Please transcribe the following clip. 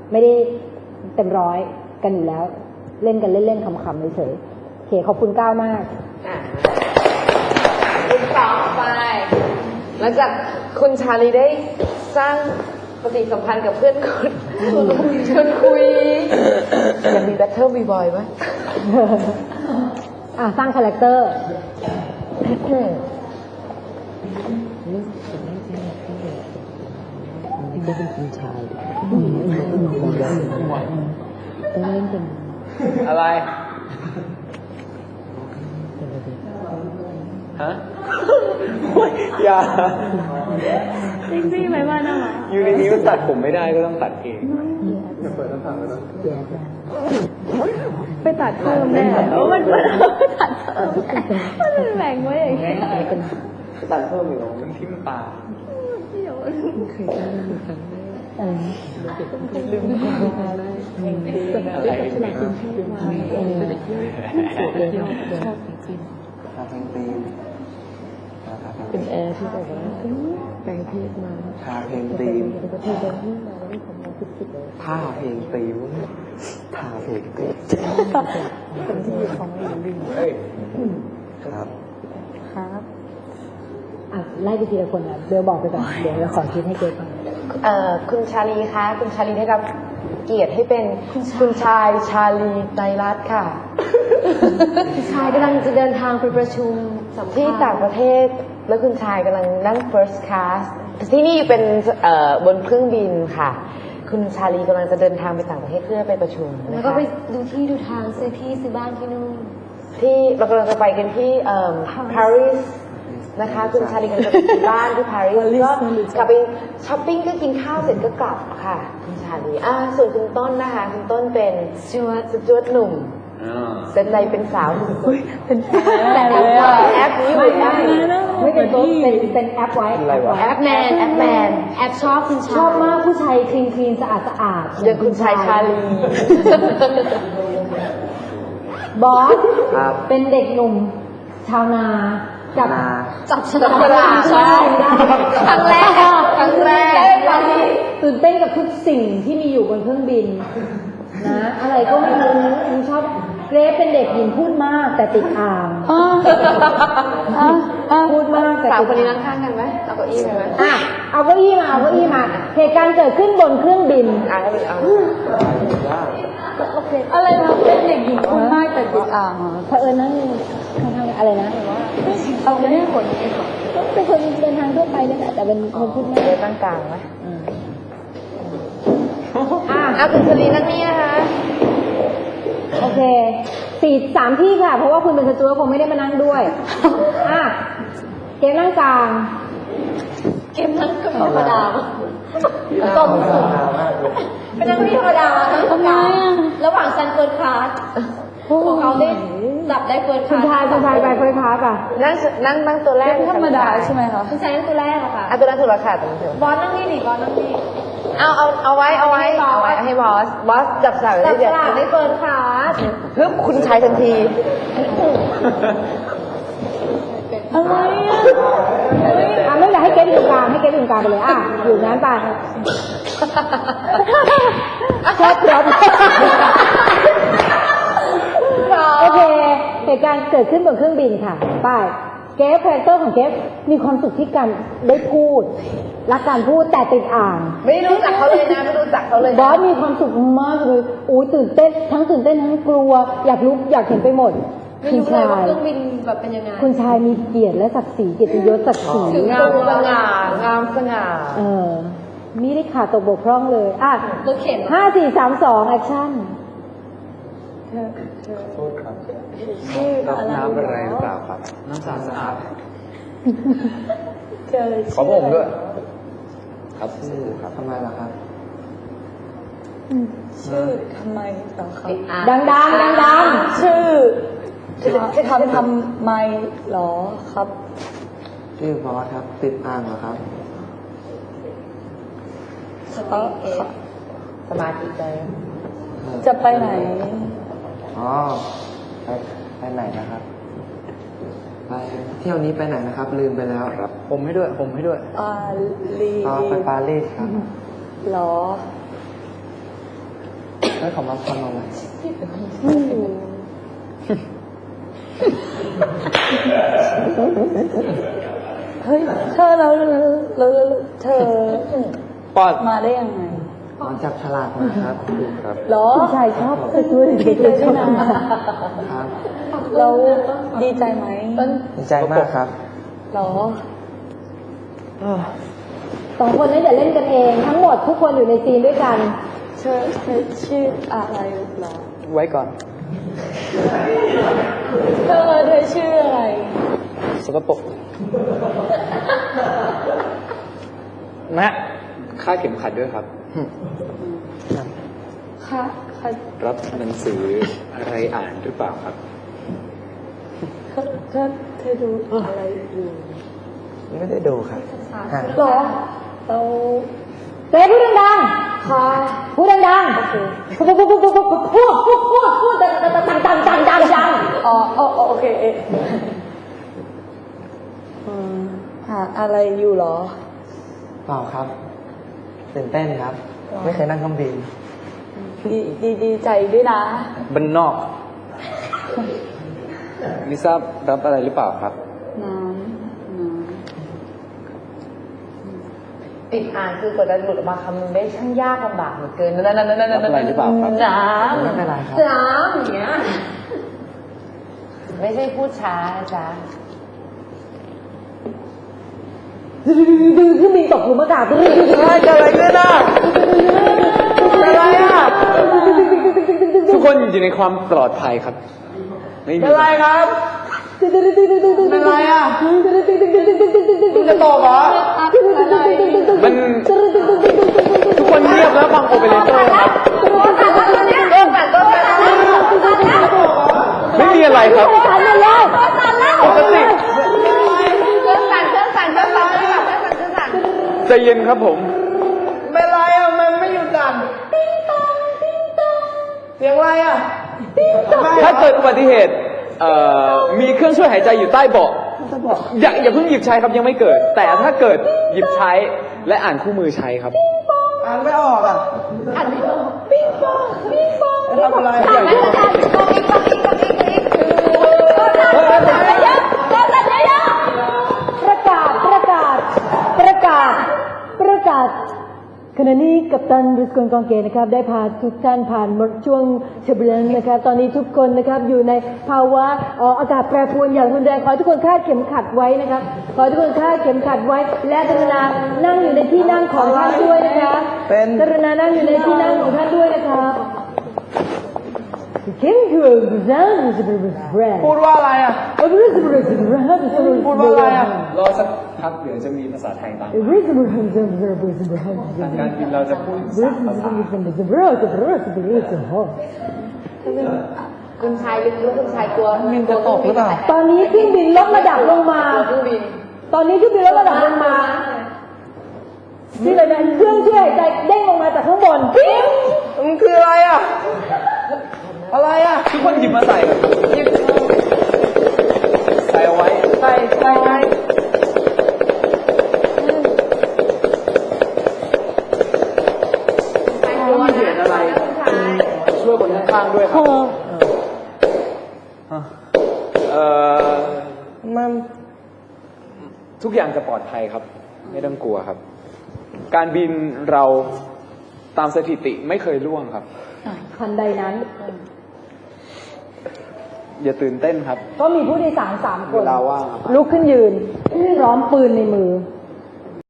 ไม่ได้เต็มร้อยกันอยู่แล้วเล่นกันเล่นๆขำๆเฉยๆโอเคขอบคุณก้าวมากคุณต่อไปหลังจากคุณชาลีได้สร้างปฏิสัมพันธ์กับเพื่อนคุณชวนคุยอยากมีแบทเทิลบ่อยๆไหมสร้างคาแรคเตอร์ได้เป็นคุณชายต้องเล่นเป็นอะไรฮะอย่าจริงๆไหมว่าน่ะอยู่ในนี้มันตัดผมไม่ได้ก็ต้องตัดเองอย่าเปิดต้นทางเลยนะไปตัดเพิ่มแน่มันตัดเพิ่มมันแบ่งไว้อย่างเงี้ยตัดเพิ่มอีกแล้วมันทิ่มตาเคยได้ดูครั้งแรกลืมอะไรฉลาดเป็นเพศวายชอบจริงเป็นแอร์ที่แบบว่าแปลงเพศมาทาเพลงตีมประเทศบางที่มาแล้วทำมาสุดๆท่าเพลงตีมท่าเพลงตีมเป็นที่ของหลิงครับไล่ไปทีละคนนะเบลบอกไปก่อนเดี๋ยวเราขอคิดให้เกรทก่อนคุณชาลีคะคุณชาลีได้รับเกียรติให้เป็นคุณชายชาลีไตรรัตน์ค่ะคุณชายกำลังจะเดินทางไปประชุมที่ต่างประเทศแล้วคุณชายกำลังนั่ง first class ที่นี่เป็นบนเครื่องบินค่ะคุณชาลีกำลังจะเดินทางไปต่างประเทศเพื่อไปประชุมแล้วก็ไปดูที่ดูทางซื้อที่ซื้อบ้านที่นู่นที่เรากำลังจะไปกันที่ปารีสนะคะคุณชาลีกำลังจะไปที่บ้านที่ปารีสก็กลับไปช้อปปิ้งก็กินข้าวเสร็จก็กลับค่ะคุณชาลีส่วนคุณต้นนะคะคุณต้นเป็นสจวตหนุ่มเป็นอะไรเป็นสาวเป็นแต่แอปนี้อยู่ได้ไม่เป็นต้นเป็นแอปไว้แอปแมนแอปชอบคุณชอบมากผู้ชายคลีนสะอาดอย่างคุณชายชาลีบอสเป็นเด็กหนุ่มชาวนาจับฉลากใช่ครั้งแรกตื่นเต้นกับทุกสิ่งที่มีอยู่บนเครื่องบินนะอะไรก็ไม่รู้ชอบเกรซเป็นเด็กหญิงพูดมากแต่ติดอ่างพูดมากแต่สาวคนนี้นั่งข้างกันไหมเอาเก้าอี้ไปไหมเอาเก้าอี้มาเหตุการณ์เกิดขึ้นบนเครื่องบินอะไรนะเป็นเด็กหญิงพูดมากแต่ติดอ่างเผอิญนั่งข้างๆอะไรนะเอาไม่ได้ผลเป็นคนเดินทางทั่วไปเลยแต่เป็นคนพูดมากเลยตั้งกลางไหมคุณชลีนั่งนี่นะคะโอเค3 ที่ค่ะเพราะว่าคุณเป็นสจวตคงไม่ได้มานั่งด้วยเกมนั่งกลางเกมนั่งก็ธรรมดาต้มสุดเป็นนั่งที่ธรรมดาทำไมระหว่างซันเฟิร์สคลาสของเขาได้จับได้เฟิร์สคลาสคุณชายไปเฟิร์สคลาสนั่งตัวแรกธรรมดาใช่ไหมคะคุณชายนั่งตัวแรกอะค่ะตัวแรกถูกแล้วค่ะบอสนั่งนี่ดิบอสนั่งนี่เอาไว้ให้บอสจับสลากได้เดี๋ยวได้เฟิร์สคลาสฮึบคุณชายทันทีอะไรไม่อยากให้เกรซอยู่กลางให้เกรซอยู่กลางไปเลยอยู่นั้นไปชอบรถโอเคเหตุการณ์เกิดขึ้นบนเครื่องบินค่ะไปเกรซคาแรคเตอร์ของเกรซมีความสุขที่การได้พูดรักการพูดแต่ติดอ่างไม่รู้จักเขาเลยนะไม่รู้จักเขาเลยบอสมีความสุขมากเลยตื่นเต้นทั้งกลัวอยากรู้อยากเห็นไปหมดคุณชายเครื่องบินแบบเป็นยังไงคุณชายมีเกียรติและศักดิ์ศรีเกียรติยศศักดิ์ศรีงามสง่มีได้ขาดตกบกพร่องเลยรถเข็น 5 4 3 2แอคชั่นโทษครับรับน้ำอะไรหรือเปล่าครับน้ำสะอาดขอผมด้วยครับชื่อครับทำไมล่ะครับชื่อทำไมต่อครับดังชื่อจะทำไมหรอครับชื่อบอสครับติดอ่างเหรอครับสมาธิใจจะไปไหนไปไหนนะครับไปเที่ยวนี้ไปไหนนะครับลืมไปแล้วครับผมให้ด้วยปารีสไปปารีสครับหรอให้เขามาทำอะไรเฮ้ยเธอเราเธอปอดมาได้ยังไงมาจับฉลากมาครับครับหรอผู้ชายชอบไปช่วยดีใจด้วยนะครับเราดีใจไหมดีใจมากครับหรอสองคนนั้นอย่าเล่นกันเอง ทั้งหมดทุกคนอยู่ในซีนด้วยกันเธอชื่ออะไรหรอไว้ก่อนเธอชื่ออะไรสกปรกนะค่าดเข็มขัดด้วยครับค่ะค่ะรับหนังสืออะไรอ่านหรือเปล่าครับเธอดูอะไรอยู่ไม่ได้ดูครับฮะหรอเราเต้พูดดังๆค่ะพูดดังๆพูดดังอ๋อโอเคหาอะไรอยู่หรอเปล่าครับตื่นเต้นครับ ไม่เคยนั่งเครื่องบินดีใจด้วยนะบันนอก ลิซ่ารับอะไรหรือเปล่าครับน้ำติดอ่านคือกว่าจะหลุดออกมาคำนึงได้ช่างยากลำบากเหลือเกินนั่นรับอะไรหรือเปล่าครับน้ไม่เป็นไรครับำน้ำอย่างเงี้ยไม่ใช่พูดช้านะจ๊ะดูเครื่องบินตกหลุมอากาศเกิดอะไรขึ้นอ่ะเป็นอะไรอ่ะทุกคนอยู่ในความปลอดภัยครับ ไม่มีเป็นอะไรครับเป็นอะไรอ่ะคุณจะตกเหรอมันทุกคนเงียบแล้วฟังโอเปอเรเตอร์ครับ ไม่มีอะไรครับ ปกติใจเย็นครับผมเป็นอะไรอ่ะมันไม่หยุดสั่นเสียงอะไรอ่ะถ้าเกิดอุบัติเหตุมีเครื่องช่วยหายใจอยู่ใต้เบาะอย่าเพิ่งหยิบใช้ครับยังไม่เกิด แต่ถ้าเกิดหยิบใช้และอ่านคู่มือใช้ครับอ่านไม่ออกอ่ะอ่านไม่ออกปิ๊งปองทำอะไรประกาศขณะนี้กัปตันบริสกอนกองเกตนะครับได้พาทุกท่านผ่านช่วงเชเบลนนะครับตอนนี้ทุกคนนะครับอยู่ในภาวะอากาศแปรปรวนอย่างรุนแรงขอให้ทุกคนคาดเข็มขัดไว้นะครับขอให้ทุกคนคาดเข็มขัดไว้และกรุณานั่งอยู่ในที่นั่งของท่านด้วยนะคะกรุณานั่งอยู่ในที่นั่งของท่านด้วยนะครับพูดว่าอะไรอ่ะพูดว่าอะไรอ่ะรอสักพักเดี๋ยวจะมีภาษาไทยตามทางการบินเราจะพูด3 ภาษาคุณชายลึกๆคุณชายกลัวมินจะตกหรือเปล่าตอนนี้เครื่องบินลดระดับลงมาเครื่องบินตอนนี้เครื่องบินลดระดับลงมาที่เลยนะเครื่องช่วยหายใจเด้งลงมาจากข้างบนมันคืออะไรอ่ะ อะไรอ่ะทุกคนหยิบมาใส่ครับใส่เอาไว้ใส่ไงไม่มีเหตุอะไร ช่วยคนข้างๆด้วยครับมันทุกอย่างจะปลอดภัยครับ ไม่ต้องกลัวครับ การบินเราตามสถิติไม่เคยล่วงครับทันใดนั้นอย่าตื่นเต้นครับก็มีผู้โดยสาร3 คนเวลาว่างครับลุกขึ้นยืนพร้อมปืนในมือ